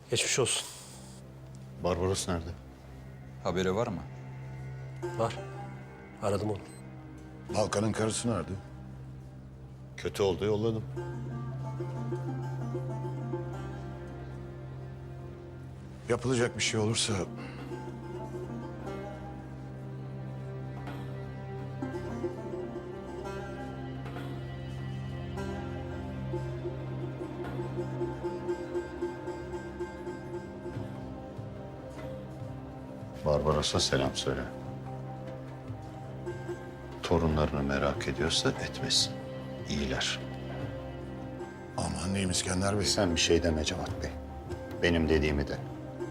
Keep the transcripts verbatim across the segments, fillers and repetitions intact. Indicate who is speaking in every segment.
Speaker 1: Geçmiş olsun.
Speaker 2: Barbaros nerede?
Speaker 3: Haberi var mı?
Speaker 1: Var. Aradım onu.
Speaker 4: Balkan'ın karısı nerede?
Speaker 2: Kötü oldu, yolladım.
Speaker 4: Yapılacak bir şey olursa...
Speaker 2: Barbaros'a selam söyle. Torunlarını merak ediyorsa etmesin. İyiler.
Speaker 4: Aman diyeyim İskender Bey.
Speaker 2: Sen bir şey deme Cevat Bey. Benim dediğimi de.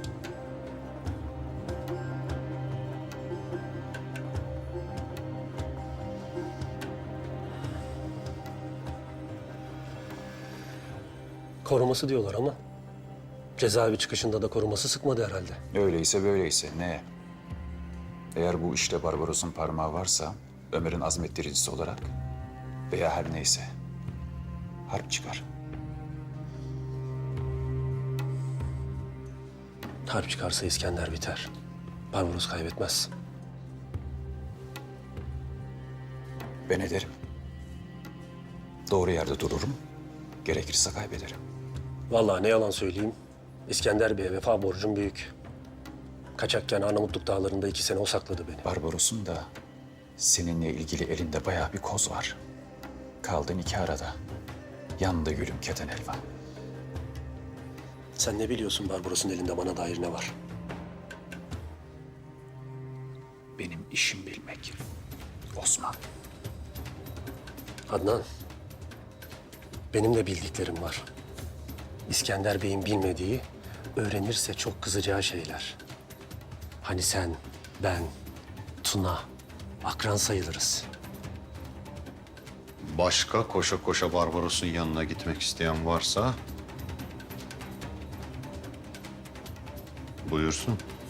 Speaker 1: Koruması diyorlar ama cezaevi çıkışında da koruması sıkmadı herhalde.
Speaker 3: Öyleyse böyleyse ne? Eğer bu işte Barbaros'un parmağı varsa Ömer'in azmettiricisi olarak veya her neyse harp çıkar.
Speaker 1: Harp çıkarsa İskender biter. Barbaros kaybetmez.
Speaker 3: Ben ederim. Doğru yerde dururum. Gerekirse kaybederim.
Speaker 1: Vallahi ne yalan söyleyeyim. İskender Bey'e vefa borcum büyük. Kaçakken Arnavutluk dağlarında iki sene o sakladı beni.
Speaker 3: Barbaros'un da seninle ilgili elinde bayağı bir koz var. Kaldın iki arada. Yandı gülüm keten elvan.
Speaker 1: Sen ne biliyorsun Barbaros'un elinde bana dair ne var?
Speaker 3: Benim işim bilmek. Osman.
Speaker 1: Adnan, benim de bildiklerim var. İskender Bey'in bilmediği, öğrenirse çok kızacağı şeyler. Hani sen, ben, Tuna, akran sayılırız.
Speaker 2: Başka koşa koşa Barbaros'un yanına gitmek isteyen varsa... buyursun.